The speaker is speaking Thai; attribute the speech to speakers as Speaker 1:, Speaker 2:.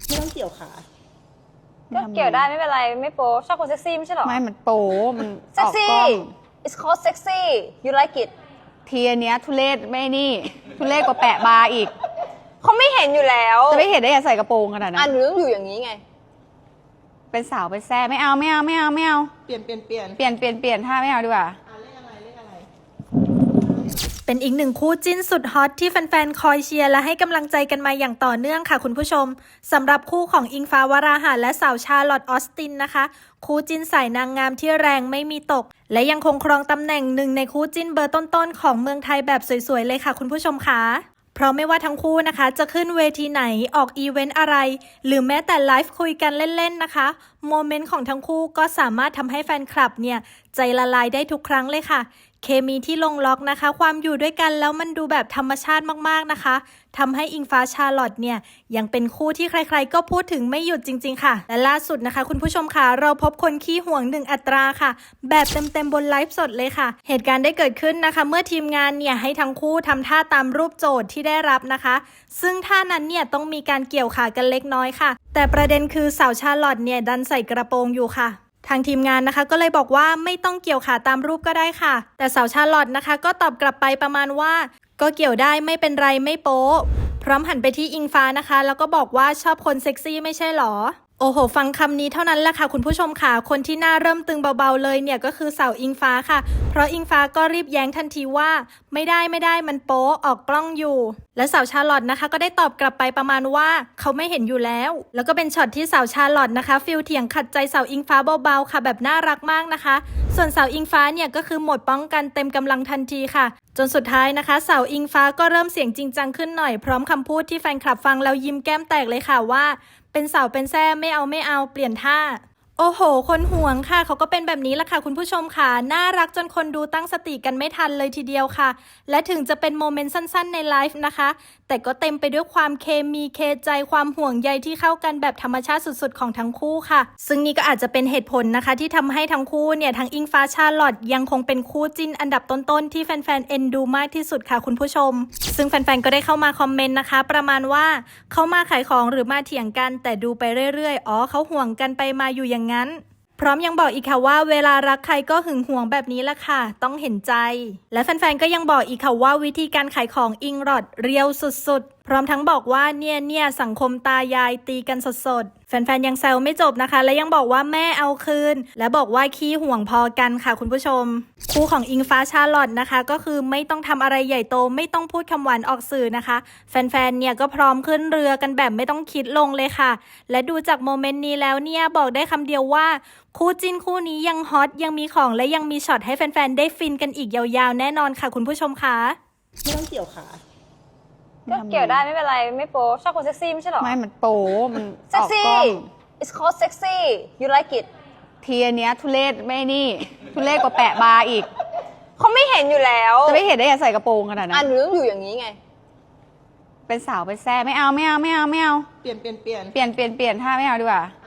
Speaker 1: ไม่ต้องเกี่ยวขา
Speaker 2: ก็เกี่ยวได้ไม่เป็นไรไม่โป๊ชอบคนเซ็กซี่ไม่ใช่หรอ
Speaker 3: ไม่มันโป๊มัน
Speaker 2: เซ็กซี่ it's called sexy you like it
Speaker 3: ทีอันเนี้ยทุเรศไม่นี่ทุเรศกว่าแปะบาร์อีก
Speaker 2: เขาไม่เห็นอยู่แล้ว
Speaker 3: จะไม่เห็นได้ยังใส่กระโปรงขนาดนั้น
Speaker 2: หนูต้องอยู่อย่างนี้ไง
Speaker 3: เป็นสาวเป็นแซ่ไม่เอา
Speaker 1: เปลี่ยน
Speaker 3: ท่าไม่เอาดีกว่า
Speaker 1: เลขอะไร
Speaker 4: เป็นอีกหนึ่งคู่จิ้นสุดฮอตที่แฟนๆคอยเชียร์และให้กำลังใจกันมาอย่างต่อเนื่องค่ะคุณผู้ชมสำหรับคู่ของอิงฟ้าวราหะและสาวชาร์ลอตออสตินนะคะคู่จิ้นสายนางงามที่แรงไม่มีตกและยังคงครองตำแหน่งหนึ่งในคู่จิ้นเบอร์ต้นๆของเมืองไทยแบบสวยๆเลยค่ะคุณผู้ชมค่ะเพราะไม่ว่าทั้งคู่นะคะจะขึ้นเวทีไหนออกอีเวนต์อะไรหรือแม้แต่ไลฟ์คุยกันเล่นๆนะคะโมเมนต์ของทั้งคู่ก็สามารถทำให้แฟนคลับเนี่ยใจละลายได้ทุกครั้งเลยค่ะเคมีที่ลงล็อกนะคะความอยู่ด้วยกันแล้วมันดูแบบธรรมชาติมากๆนะคะทำให้อิงฟ้าชาร์ลอตเนี่ยยังเป็นคู่ที่ใครๆก็พูดถึงไม่หยุดจริงๆค่ะและล่าสุดนะคะคุณผู้ชมค่ะเราพบคนขี้ห่วง1อัตราค่ะแบบเต็มๆบนไลฟ์สดเลยค่ะเหตุการณ์ได้เกิดขึ้นนะคะเมื่อทีมงานเนี่ยให้ทั้งคู่ทำท่าตามรูปโจทย์ที่ได้รับนะคะซึ่งท่านั้นเนี่ยต้องมีการเกี่ยวขากันเล็กน้อยค่ะแต่ประเด็นคือสาวชาร์ลอตเนี่ยดันใส่กระโปรงอยู่ค่ะทางทีมงานนะคะก็เลยบอกว่าไม่ต้องเกี่ยวขาตามรูปก็ได้ค่ะแต่สาวชาร์ลอตนะคะก็ตอบกลับไปประมาณว่าก็เกี่ยวได้ไม่เป็นไรไม่โป๊พร้อมหันไปที่อิงฟ้านะคะแล้วก็บอกว่าชอบคนเซ็กซี่ไม่ใช่หรอโอ้โหฟังคำนี้เท่านั้นแหละค่ะคุณผู้ชมค่ะคนที่หน้าเริ่มตึงเบาๆเลยเนี่ยก็คือสาวอิงฟ้าค่ะเพราะอิงฟ้าก็รีบแย้งทันทีว่าไม่ได้มันโป๊ออกกล้องอยู่และสาวชาร์ลอตนะคะก็ได้ตอบกลับไปประมาณว่าเขาไม่เห็นอยู่แล้วก็เป็นช็อตที่สาวชาร์ลอตนะคะฟิลเถียงขัดใจสาวอิงฟ้าเบาๆค่ะแบบน่ารักมากนะคะส่วนสาวอิงฟ้าเนี่ยก็คือหมดป้องกันเต็มกำลังทันทีค่ะจนสุดท้ายนะคะสาวอิงฟ้าก็เริ่มเสียงจริงจังขึ้นหน่อยพร้อมคำพูดที่แฟนคลับฟังแล้วยิ้มแก้มแตกเลยค่ะว่าเป็นสาวเป็นแซ่ไม่เอาเปลี่ยนท่าโอ้โหคนห่วงค่ะเขาก็เป็นแบบนี้ละค่ะคุณผู้ชมค่ะน่ารักจนคนดูตั้งสติกันไม่ทันเลยทีเดียวค่ะและถึงจะเป็นโมเมนต์สั้นๆในไลฟ์นะคะแต่ก็เต็มไปด้วยความเคมีเคใจความห่วงใยที่เข้ากันแบบธรรมชาติสุดๆของทั้งคู่ค่ะซึ่งนี่ก็อาจจะเป็นเหตุผลนะคะที่ทำให้ทั้งคู่เนี่ยทั้งอิงฟ้าชาร์ลอตยังคงเป็นคู่จิ้นอันดับต้นๆที่แฟนๆเอ็นดูมากที่สุดค่ะคุณผู้ชมซึ่งแฟนๆก็ได้เข้ามาคอมเมนต์นะคะประมาณว่าเขามาขายของหรือมาเถียงกันแต่ดูไปเรื่อยๆอ๋อเขาห่วงกันไปมาอยู่อย่างนั้นพร้อมยังบอกอีกค่ะว่าเวลารักใครก็หึงหวงแบบนี้ละค่ะต้องเห็นใจและแฟนๆก็ยังบอกอีกค่ะว่าวิธีการขายของอิงรอดเรียวสุดๆพร้อมทั้งบอกว่าเนี่ยสังคมตายายตีกันสดๆแฟนๆยังแซวไม่จบนะคะและยังบอกว่าแม่เอาคืนและบอกว่าขี้ห่วงพอกันค่ะคุณผู้ชมคู่ของอิงฟ้าชาร์ลอตนะคะก็คือไม่ต้องทำอะไรใหญ่โตไม่ต้องพูดคำหวานออกสื่อนะคะแฟนๆเนี่ยก็พร้อมขึ้นเรือกันแบบไม่ต้องคิดลงเลยค่ะและดูจากโมเมนต์นี้แล้วเนี่ยบอกได้คำเดียวว่าคู่จิ้นคู่นี้ยังฮอตยังมีของและยังมีช็อตให้แฟนๆได้ฟินกันอีกยาวๆแน่นอนค่ะคุณผู้ชมค่ะ
Speaker 1: ไม่ต้องเกี่ยวขา
Speaker 2: ก็เกี่ยวได้ไม่เป็นไรไม่โป๊ชอบคนเซ็กซี่ไม่ใช่หรอ
Speaker 3: ไม่มันโป๊มัน
Speaker 2: ออกกล้อง it's called sexy you like it
Speaker 3: ทีอันเนี้ยทุเรศไม่นี่ทุเรศกว่าแปะบาร์อีก
Speaker 2: เขาไม่เห็นอยู่แล้ว
Speaker 3: จะไม่เห็นได้ยังใส่กระโปรงขนาดนั้น
Speaker 2: หนูต้องอยู่อย่างนี้ไง
Speaker 3: เป็นสาวเป็นแซ่ไม่เอา
Speaker 1: เปลี่ยน
Speaker 3: ท่าไม่เอาดีกว่า